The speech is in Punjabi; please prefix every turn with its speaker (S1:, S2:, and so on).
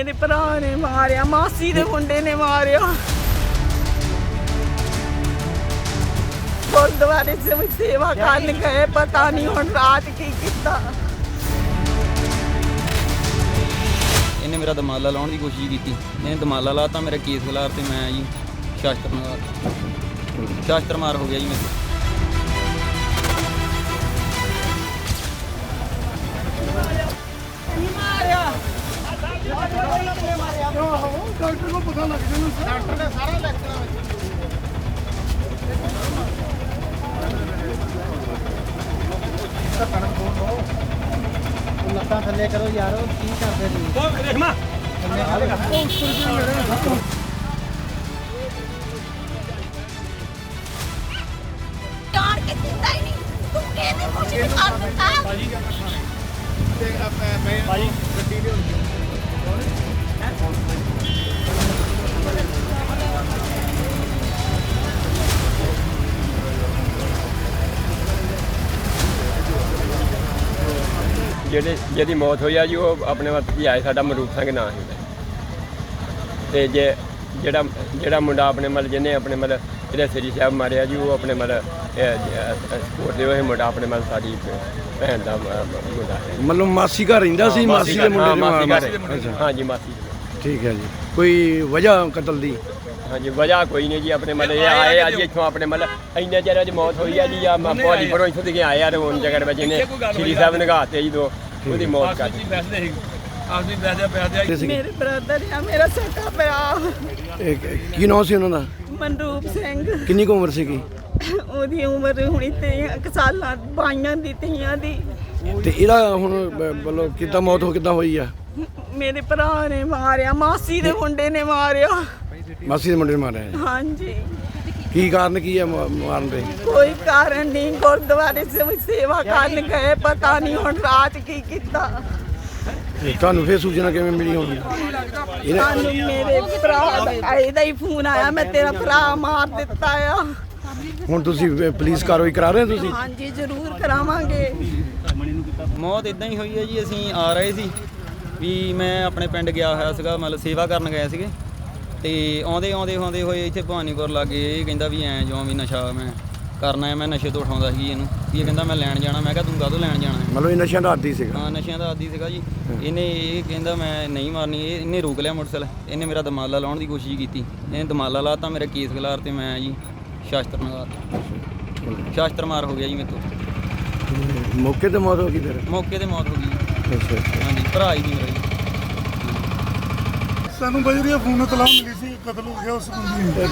S1: ਮੇਰੇ ਭਰਾ ਨੇ ਮਾਰਿਆ, ਮਾਸੀ ਦੇ ਮੁੰਡੇ ਨੇ ਮਾਰਿਆ। ਗੁਰਦੁਆਰੇ ਸੇਵਾ ਕਰਨ ਗਏ, ਪਤਾ ਨਹੀਂ ਹੁਣ ਰਾਤ ਕੀ ਕੀਤਾ।
S2: ਇਹਨੇ ਮੇਰਾ ਦਮਾਲਾ ਲਾਉਣ ਦੀ ਕੋਸ਼ਿਸ਼ ਕੀਤੀ, ਇਹਨੇ ਦਮਾਲਾ ਲਾਤਾ, ਮੇਰਾ ਕੇਸ ਖਿਲਾਰ ਤੇ ਮੈਂ ਜੀ ਸ਼ਾਸਤਰ ਮਾਰ ਹੋ ਗਿਆ ਜੀ ਮੇਰੇ।
S3: ਡਾਕਟਰ ਨੂੰ ਪਤਾ ਲੱਗ ਜਾਣਾ, ਡਾਕਟਰ ਨੇ ਸਾਰਾ ਲਿਖਣਾ ਵਿੱਚ। ਲੱਤਾਂ ਥੱਲੇ ਕਰੋ ਯਾਰੋ, ਕੀ ਕਰਦੇ ਤੁਸੀਂ? ਰੇਖਮਾ
S1: ਯਾਰ ਕਿ ਦਿੱਤਾ ਹੀ ਨਹੀਂ, ਤੂੰ ਕਿਹਦੇ ਮੂੰਹ 'ਚ ਕਰ ਦਿੱਤਾ?
S3: ਭਾਜੀ ਗੱਡੀ ਲਿਆਉਣੀ।
S4: ਜਿਹਦੀ ਮੌਤ ਹੋਈ ਆ ਜੀ, ਉਹ ਆਪਣੇ ਵੱਤ ਹੀ ਆਏ, ਸਾਡਾ ਮਰੂਪ ਸਿੰਘ ਨਾਂ ਸੀ। ਤੇ ਜਿਹੜਾ ਮੁੰਡਾ ਆਪਣੇ ਮਤਲਬ ਜਿਹਨੇ ਆਪਣੇ ਮਤਲਬ ਇਹਦੇ ਸ੍ਰੀ ਸਾਹਿਬ ਮਾਰਿਆ ਜੀ, ਉਹ ਆਪਣੇ ਮਤਲਬ ਸਪੋਰਟ ਦੇ ਉਹ ਮੁੰਡਾ ਆਪਣੇ ਮਤਲਬ ਸਾਡੀ ਭੈਣ ਦਾ ਮੁੰਡਾ ਹੈ।
S5: ਮਤਲਬ ਮਾਸੀ ਘਰ ਰਹਿੰਦਾ ਸੀ, ਮਾਸੀ ਦੇ ਮੁੰਡੇ
S4: ਦੇ। ਹਾਂਜੀ ਮਾਸੀ।
S5: ਠੀਕ ਹੈ ਜੀ। ਕੋਈ ਵਜ੍ਹਾ ਕਤਲ ਦੀ?
S4: ਹਾਂਜੀ ਵਜ੍ਹਾ ਕੋਈ ਨਹੀਂ ਜੀ, ਆਪਣੇ ਮਤਲਬ ਇਹ ਆਏ ਆ ਜੀ ਇੱਥੋਂ, ਆਪਣੇ ਮਤਲਬ ਇੰਨੇ ਚਿਰ ਦੀ ਮੌਤ ਹੋਈ ਆ ਜੀ। ਆ ਭਾਜੀ ਪਰੋਂ ਇੱਥੋਂ ਦੇ ਆਏ ਆ ਰੋਣ ਜਗੜ ਵਿੱਚ, ਇਹਨੇ ਸ੍ਰੀ ਸਾਹਿਬ ਨਿਗਾਹਤੇ ਜੀ ਦੋ ਉਹਦੀ ਮੌਤ ਕਰ ਦਿੱਤੀ।
S1: ਮੇਰੇ ਬ੍ਰਦਰ ਆ, ਮੇਰਾ ਸਕਾ ਭਰਾ।
S5: ਕੀ ਨਾਮ ਸੀ ਉਹਨਾਂ ਦਾ?
S1: ਮਨਰੂਪ ਸਿੰਘ।
S5: ਕਿੰਨੀ ਕੁ ਉਮਰ ਸੀਗੀ?
S1: ਉਹਦੀ ਉਮਰ ਹੁਣੀ 23 ਸਾਲਾਂ, 22 ਦੀ 23 ਦੀ।
S5: ਤੇ ਇਹਦਾ ਹੁਣ ਮਤਲਬ ਕਿੱਦਾਂ ਮੌਤ ਕਿੱਦਾਂ ਹੋਈ ਆ?
S1: ਮੇਰੇ ਭਰਾ ਨੇ ਮਾਰਿਆ, ਮਾਸੀ ਦੇ ਮੁੰਡੇ ਨੇ ਮਾਰਿਆ।
S5: ਮਾਸੀ ਦੇ ਮੁੰਡੇ ਨੇ ਮਾਰਿਆ ਜੀ।
S1: ਹਾਂਜੀ।
S5: ਕੀ ਕਾਰਨ ਕੀ ਆ ਮਾਰਨ ਦੇ?
S1: ਕੋਈ ਕਾਰਨ ਨਹੀਂ, ਗੁਰਦੁਆਰੇ ਸੇਵਾ ਕਰਨ ਗਏ, ਪਤਾ ਨਹੀਂ ਹੁਣ ਰਾਤ ਕੀ ਕੀਤਾ।
S5: ਤੁਹਾਨੂੰ ਫੇਰ ਸੂਚਨਾ ਕਿਵੇਂ ਮਿਲੀ ਹੋਣੀ?
S1: ਸਾਨੂੰ ਮੇਰੇ ਭਰਾ ਦਾ ਇਹਦਾ ਹੀ ਫੋਨ ਆਇਆ, ਮੈਂ ਤੇਰਾ ਭਰਾ ਮਾਰ ਦਿੱਤਾ ਆ।
S5: ਹੁਣ ਤੁਸੀਂ ਪੁਲਿਸ ਕਾਰਵਾਈ ਕਰਾ ਰਹੇ ਹੋ ਤੁਸੀਂ?
S1: ਹਾਂਜੀ ਜ਼ਰੂਰ ਕਰਾਵਾਂਗੇ।
S2: ਮੌਤ ਇਦਾਂ ਹੀ ਹੋਈ ਹੈ ਜੀ। ਅਸੀਂ ਆ ਰਹੇ ਸੀ ਵੀ ਮੈਂ ਆਪਣੇ ਪਿੰਡ ਗਿਆ ਹੋਇਆ ਸੀਗਾ, ਮਤਲਬ ਸੇਵਾ ਕਰਨ ਗਏ ਸੀਗੇ, ਤੇ ਆਉਂਦੇ ਹੋਏ ਇੱਥੇ ਭਵਾਨੀਪੁਰ ਲਾਗੇ ਇਹ ਕਹਿੰਦਾ ਵੀ ਐਂ ਜਿਉਂ ਵੀ ਨਸ਼ਾ ਮੈਂ ਕਰਨਾ ਹੈ। ਮੈਂ ਨਸ਼ੇ ਤੋਂ ਉਠਾਉਂਦਾ ਸੀ ਇਹਨੂੰ, ਵੀ ਇਹ ਕਹਿੰਦਾ ਮੈਂ ਲੈਣ ਜਾਣਾ। ਮੈਂ ਕਿਹਾ ਤੂੰ ਕਾਹਤੋਂ ਲੈਣ ਜਾਣਾ ਹੈ?
S5: ਮਤਲਬ ਇਹ ਨਸ਼ਿਆਂ ਦਾ ਆਦੀ ਸੀਗਾ?
S2: ਹਾਂ ਨਸ਼ਿਆਂ ਦਾ ਆਦੀ ਸੀਗਾ ਜੀ। ਇਹ ਕਹਿੰਦਾ ਮੈਂ ਨਹੀਂ ਮਾਰਨੀ। ਇਹਨੇ ਰੋਕ ਲਿਆ ਮੋਟਰਸਾਈਕਲ, ਇਹਨੇ ਮੇਰਾ ਦਮਾਲਾ ਲਾਉਣ ਦੀ ਕੋਸ਼ਿਸ਼ ਕੀਤੀ, ਇਹਨੇ ਦਮਾਲਾ ਲਾਤਾ, ਮੇਰਾ ਕੇਸ ਖਿਲਾਰ ਤੇ ਮੈਂ ਜੀ ਸ਼ਾਸਤਰ ਮਾਰ ਹੋ ਗਿਆ ਜੀ ਮੇਰੇ ਤੋਂ।
S5: ਮੌਕੇ ਤੇ ਮੌਤ ਹੋ ਗਈ ਫਿਰ?
S2: ਮੌਕੇ ਤੇ ਮੌਤ ਹੋ ਗਈ।
S5: ਅੱਛਾ।
S2: ਹਾਂਜੀ ਭਰਾ ਹੀ ਨਹੀਂ ਮੇਰਾ ਜੀ।
S3: ਸਾਨੂੰ ਬਜਰੀਆ ਫੋਨ ਤਲਾਹ ਮਿਲੀ ਸੀ, ਕਤਲ ਹੋ ਗਿਆ ਉਸ ਬੰਦੇ